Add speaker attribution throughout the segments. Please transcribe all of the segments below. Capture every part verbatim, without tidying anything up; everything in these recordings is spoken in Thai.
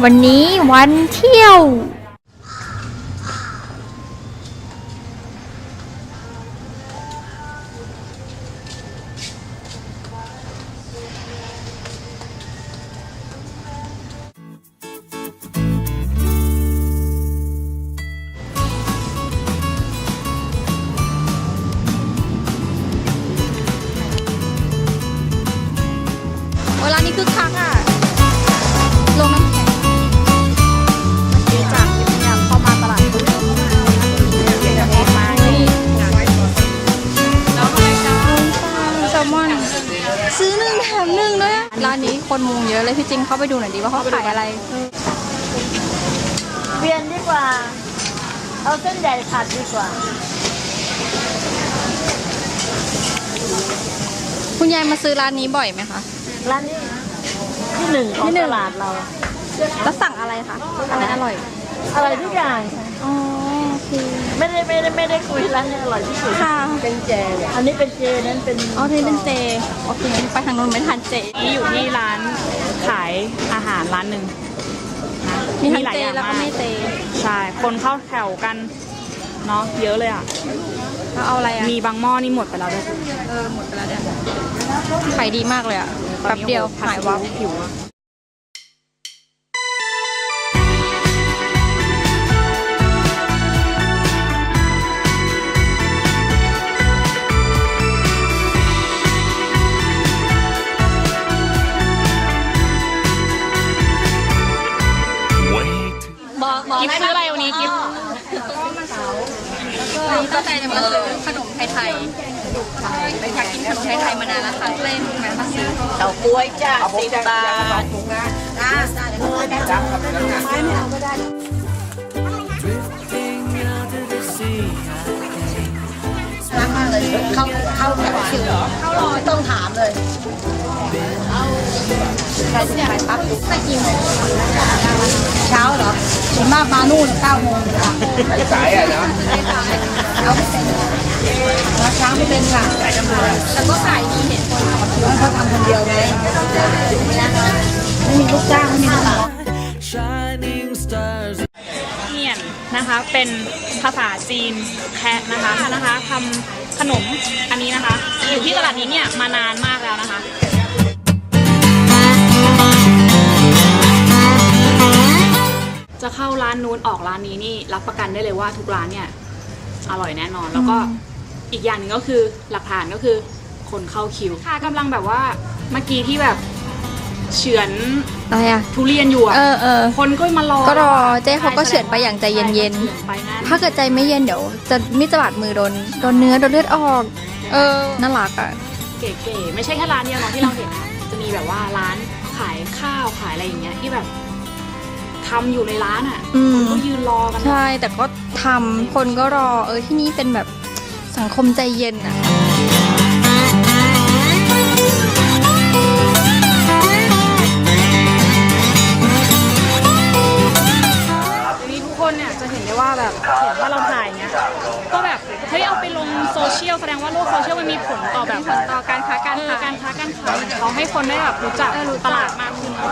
Speaker 1: วันนี้วันเที่ยวเวลานี้คึกคักอ่ะลงน้ำแข็งดีจากที่พยายามเข้ามาตลาดปุ๊บมานี่แล้วอะไรจ้าแซลมอนซื้อหนึ่งแถมหนึ่งด้วยร้านนี้คนมุงเยอะเลยพี่จริงเข้าไปดูหน่อยดีว่าเขาขายอะไร
Speaker 2: เปลี่ยนดีกว่าเอาเส้นใหญ่ผัดดีกว่า
Speaker 1: คุณยายมาซื้อร้านนี้บ่อยไหมคะ
Speaker 2: ร้านนี้ที่หนึ่งของตลาดเรา
Speaker 1: แล้วสั่งอะไรคะอะไรอร่อย
Speaker 2: อะไรทุกอย่าง
Speaker 1: อ๋อโอเค
Speaker 2: ไม่ได้ไม่ได้ไม่ได้คุยร้านนี้อร่อยที่สุด
Speaker 1: ค่ะ
Speaker 2: เป็นเจอันนี้เป็นเจนั้นเป็น
Speaker 1: อ๋อที่เป็นเจโอเคไปทางโน้นไม่ทานเจ
Speaker 3: นี่อยู่ที่ร้านขายอาหารร้านหนึ่งนะ
Speaker 1: มีทั้งเจแล้วก็ไม่เจ
Speaker 3: ใช่คนเข้าแถวกันเนาะเยอะเลยอ่ะ
Speaker 1: แล้วเอาอะไรอ่ะ
Speaker 3: มีบางหม้อนี่หมดไปแล้วด้วย
Speaker 1: เออหมดไปแล้วเนี่ยขายดีมากเลยอ่ะแป๊บเดียวหายวับ
Speaker 3: ผิวกิฟซื้ออะไรวันนี้กิฟ
Speaker 1: วันนี้ตั้งใจจะมาซื้อขนมไทยๆอยากกินขนมไทยๆมานานแล้วค่ะเล่นแวะมาซื้อ
Speaker 2: เต่าก้วยจ้าสิบบาทอ่าจ้าไม่เอาก็ได้รักมากเลยเข้าเข้าแบบคิวเข้ารอไม่ต้องถามเลยใครจะไปปั๊บไม่กี่โมงเช้าเหรอส่วนมากมานู่นเก้าโมงสายอ่ะนะเอาไม่เป็นมาเช้าไม่เป็นค่ะแต่ก็ขายดีเห็นคนต่อคิวเขาทำคนเดียวไงไม่มีลูกจ้างไม่มีลูกน้อง
Speaker 3: เนียนนะคะเป็นภาษาจีนแคะนะคะนะคะทำขนมอันนี้นะคะอยู่ที่ตลาดนี้เนี่ยมานานมากแล้วนะคะจะเข้าร้านนู้นออกร้านนี้นี่รับประกันได้เลยว่าทุกร้านเนี่ยอร่อยแน่นอนแล้วก็อีกอย่างหนึ่งก็คือหลักฐานก็คือคนเข้าคิวค่ะกำลังแบบว่าเมื่อกี้ที่แบบเฉือน
Speaker 1: อะไรอะ
Speaker 3: ทุเรียนอยู่อะ
Speaker 1: เออเออ
Speaker 3: คนก็มารอ
Speaker 1: ก็รอเจ๊เขาก็เฉือนไปอย่างใจเย็นๆถ้าเกิดใจไม่เย็นเดี๋ยวจะมิจะบาดมือโดนโดนเนื้อโดนเลือดออกเออน่ารักอะ
Speaker 3: เก๋ๆไม่ใช่แค่ร้านเดียวเนาะที่เราเห็นนะจะมีแบบว่าร้านขายข้าวขายอะไรอย่างเงี้ยที่แบบทำอยู่ในร้านอ่ะคนก็ยืนรอกัน
Speaker 1: ใช่แต่ก็ทำคนก็รอเออที่นี่เป็นแบบสังคมใจเย็นอ่ะ
Speaker 3: ทีนี้ทุกคนเนี่ยจะเห็นได้ว่าแบบเห็นว่าเราถ่ายเงี้ยก็แบบเฮ้ยเอาไปลงโซเชียลแสดงว่าโลกโซเชียลมันมีผลต่อแบบ
Speaker 1: ต่อการค้าการขาย
Speaker 3: การค้าการขายเขาให้คนได้แบบรู้จักตลาดมากขึ้น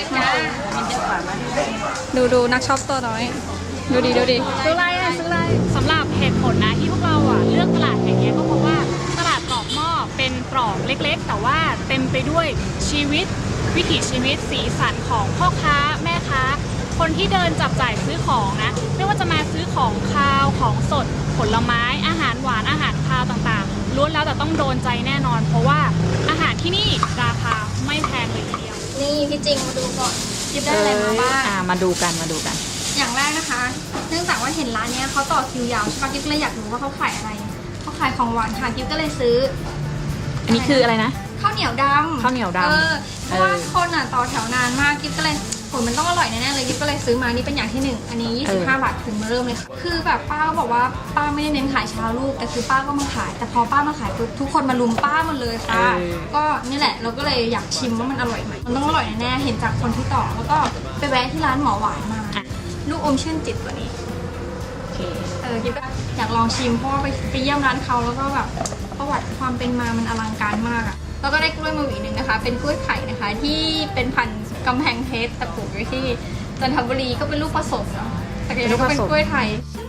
Speaker 1: ดูดูนักช็อปตัวน้อยดูดีดูดี
Speaker 3: ซื้ออะไรอ่ะซื้ออะไรสำหรับเหตุผลนะที่พวกเราอ่ะเลือกตลาดแห่งนี้ก็เพราะว่าตลาดตรอกหม้อเป็นตรอกเล็กๆแต่ว่าเต็มไปด้วยชีวิตวิถีชีวิตสีสันของพ่อค้าแม่ค้าคนที่เดินจับจ่ายซื้อของนะไม่ว่าจะมาซื้อของคาวของสดผลไม้อาหารหวานอาหารคาวต่างๆล้วนแล้วแต่ต้องโดนใจแน่นอนเพราะว่าอาหารที่นี่ราคาไม่แพงเลยทีเดียว
Speaker 1: นี่พี่จริงมาดูก่อนยิบได้อะไรมาบ้าง
Speaker 3: อ่ามาดูกันมาดูกัน
Speaker 1: อย่างแรกนะคะเนื่องจากว่าเห็นร้านนี้เขาต่อคิวยาวใช่ปะกิ๊บก็เลยอยากรู้ว่าเขาขายอะไรเขาขายของหวานค่ะกิ๊บก็เลยซื้อ
Speaker 3: อันนี้คืออะไรนะ
Speaker 1: ข้าวเหนียวดำ
Speaker 3: ข้าวเหนียวดำ
Speaker 1: เออเพราะว่าคนอ่ะต่อแถวนานมากกิ๊บก็เลยผลมันต้องอร่อยแน่ๆเลยกิ๊บก็เลยซื้อมานี่เป็นอย่างที่หนึ่งอันนี้ยี่สิบห้าบาทถึงมาเริ่มเลยค่ะคือแบบป้าก็บอกว่าป้าไม่ได้เน้นขายเช้าลูกแต่คือป้าก็มาขายแต่พอป้ามาขายปุ๊บทุกคนมาลุมป้าหมดเลยค่ะก็นี่แหละเราก็เลยอยากชิมว่ามันอร่อยไหมมันต้องอร่อยแน่ๆเห็นจากคนที่ต่อแล้วก็ไปแวะที่ร้านหมอหวานมาลูกอมชื่นจิตตัวนี้โอเคเออกิ๊บก็อยากลองชิมเพราะว่าไปไปเยี่ยมร้านเขาแล้วก็แบบประวัติความเป็นมามันอลังการมากอะแล้วก็ได้กล้วยมาหวีหนึ่งนะคะเป็นกล้วยไข่นะคะที่เป็นพันธุ์กำแพงเพชรแต่ปลูกไว้ที่จันทบุรีก็เป็นลูกผสมเนาะแต่ก็ยังก็เป็นกล้วยไทย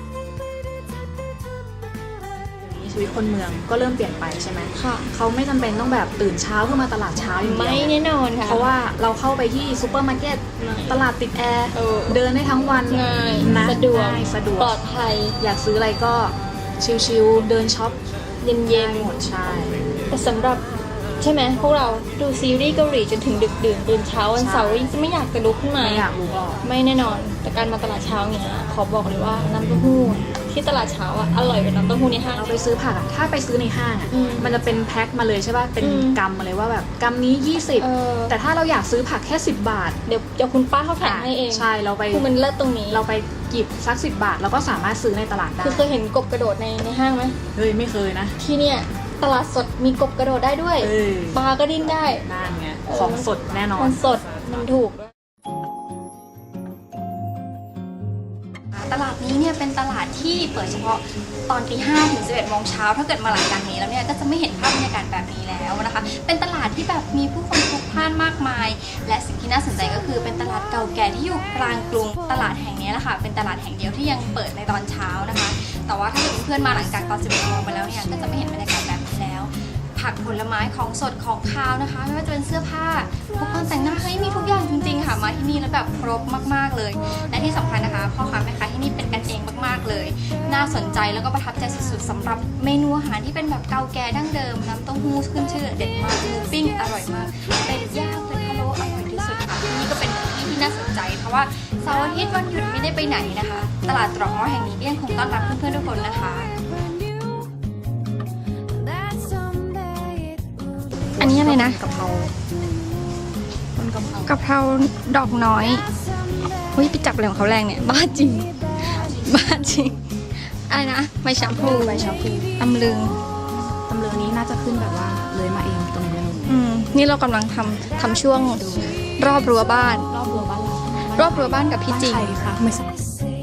Speaker 4: ชีวิตคนเมืองก็เริ่มเปลี่ยนไปใช่ไหม
Speaker 1: ค่ะ
Speaker 4: เขาไม่จำเป็นต้องแบบตื่นเช้าเพื่อมาตลาดเช้าอย่างเดียว
Speaker 1: ไม่แน่นอนค่ะ
Speaker 4: เพราะว่าเราเข้าไปที่ซูเปอร์มาร์เก็ต
Speaker 1: ไม่
Speaker 4: ตลาดติดแอร์
Speaker 1: เออ
Speaker 4: เดินได้ทั้งวัน
Speaker 1: ง่าย
Speaker 4: นะ
Speaker 1: สะดวก
Speaker 4: ง่ายสะดวก
Speaker 1: ปลอดภัย
Speaker 4: อยากซื้ออะไรก็ชิลๆเดินช็อป
Speaker 1: เย็น
Speaker 4: ได้หมดใช่
Speaker 1: ๆแต่สำหรับใช่ไหมพวกเราดูซีรีส์เกาหลีจนถึงดึกดื่นตื่นเช้าวันเสาร์ยังจะไม่อยากจะลุกขึ้นมา
Speaker 4: ไม่อยากรู้หรอก
Speaker 1: ไม่แน่นอน แต่การมาตลาดเช้าเนี้ยขอบอกเลยว่าน้ำเต้าหู้ที่ตลาดเช้าอ่ะอร่อยกว่าน้ำเต้าหู้ในห้าง
Speaker 4: เราไปซื้อผักอะถ้าไปซื้อในห้างอะ
Speaker 1: อืม
Speaker 4: มันจะเป็นแพ็คมาเลยใช่ป่ะเป็น
Speaker 1: อืม
Speaker 4: กำมาเลยว่าแบบกำนี้ยี่สิบ
Speaker 1: เออ
Speaker 4: แต่ถ้าเราอยากซื้อผักแค่สิบบาท
Speaker 1: เดี๋ยวเดี๋ยวคุณป้าเขาแถมให้เอง
Speaker 4: ใช่เราไป
Speaker 1: คือมันเลิศตรงนี้
Speaker 4: เราไปหยิบสักสิบบาทเราก็สามารถซื้อในตลาดได้
Speaker 1: คือเคยเห็นกบกระโดดในในห้างไหม
Speaker 4: เฮ้ยไม่เคยนะ
Speaker 1: ที่เนี่ยตลาดสดมีกบกระโดดได้ด้วย
Speaker 4: เออ
Speaker 1: ปลาก็ดิ้นได้
Speaker 4: นั่นไง
Speaker 1: เออ
Speaker 4: ของสดแน่นอน
Speaker 1: มันสดมันถูกด้วยตลาดนี้เนี่ยเป็นตลาดที่เปิดเฉพาะตอนตีห้าถึงสิบเอ็ดโมงเช้าถ้าเกิดมาหลังจากนี้แล้วเนี่ยก็จะไม่เห็นภาพบรรยากาศแบบนี้แล้วนะคะเป็นตลาดที่แบบมีผู้คนพลุกพล่านมากมาย และสิ่งที่น่าสนใจก็คือเป็นตลาดเก่าแก่ที่อยู่กลางกรุงตลาดแห่งนี้แหละค่ะเป็นตลาดแห่งเดียวที่ยังเปิดในตอนเช้านะคะ แต่ว่าถ้าเกิดเพื่อนๆมาหลังจากตอนสิบเอ็ดโมงไปแล้วเนี่ยก็จะไม่เห็นบรรยากาศแบบนี้แล้ว ผักผลไม้ของสดของคาวนะคะ ไม่ว่าจะเป็นเสื้อผ้าอุปกรณ์แต่งหน้าเฮ้ยมีทุกอย่างจริงๆค่ะมาที่นี่แล้วแบบครบมากๆเลย และที่สำคัญนะคะพ่อค้าแม่ค้าที่นี่เป็นกันเองมากๆเลย น่าสนใจแล้วก็ประทับใจสุดๆสำหรับเมนูอาหารที่เป็นแบบเก่าแก่ดั้งเดิมน้ำเต้าหู้ขึ้นชื่อเด็ดมากหมูปิ้งอร่อยมากเป็ดย่างเป็ดพะโล้อร่อยที่สุดค่ะที่นี่ก็เป็นที่ที่น่าสนใจ เพราะว่าเสาร์อาทิตย์วันหยุดไม่ได้ไปไหนนะคะ ตลาดตรอกง้อแห่งนี้ก็ยังคงต้อนรับเพื่อนๆทุกคนนะคะ อันนี้อะไรนะ
Speaker 4: กะเพราต้นกะเพราก
Speaker 1: ะเพราดอกน้อยเฮ้ยไปจับอะไรของเขาแรงเนี่ย บ้าจริง บ้าจริง อะไรนะใบชะพลู
Speaker 4: ใบชะพลู
Speaker 1: ตำลึง
Speaker 4: ตำเลือนี้น่าจะขึ้นแบบว่าเลยมาเองตรงนี้เลย
Speaker 1: อืม นี่เรากำลังทำทำช่วงรอบรั้วบ้าน
Speaker 4: รอบรั้วบ้านเรา
Speaker 1: รอบรั้วบ้านกับพี่จริง
Speaker 4: บ้านใครคะไม่ใช่